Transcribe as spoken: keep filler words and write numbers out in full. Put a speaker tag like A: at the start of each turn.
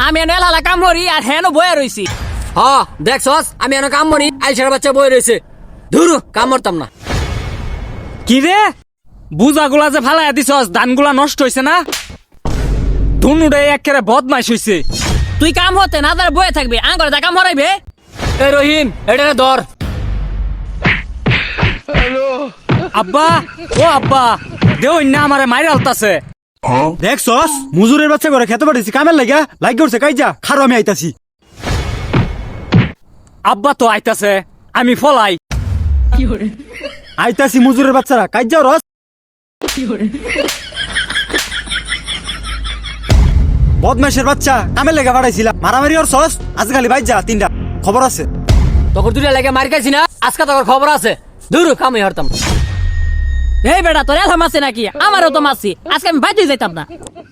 A: আমি এনে লালা কাম করি আর হেন বয়ে রইছি।
B: হ দেখছস আমি এনে কাম করি আইসার বাচ্চা বই রয়েছে ধুরু কাম করতাম না।
C: কি রে বুজাগুলা যে ফালাইয়া দিছস ধানগুলা নষ্ট হইছে না? ধুনুরে একেবারে বদমাইশ হইছে।
A: তুই কাম হতে না তার বয়ে থাকবি আঙ্গরে তা কাম হরাইবে।
B: এই রহিম এটা ধর।
C: আব্বা ও আব্বা দেও না আমারে মাইরে আলতাছে।
D: দেখছস মুজুরের বাচ্চা করে খেতে পারিস কামের লাগা লাইক করছে কাইজা খারো আমি আইতাছি।
C: আব্বা তো আইতাছে আমি ফলাই।
D: আইতাছি মুজুরের বাচ্চারা কাইজা রস। বদমাইশের বাচ্চা কামের লেগে পাঠাইছিলাম মারামারি ওর সস আজকালি বাইর যা তিনটা খবর আছে।
B: তখন দুটা লেগে মার খাইছি না আজকে তোর খবর আছে ধুরু কামই হরতাম।
A: এই বেটা তোর এলাম আছে নাকি? আমারও তো মাসি, আজকে আমি বাইতে যাইতাম না।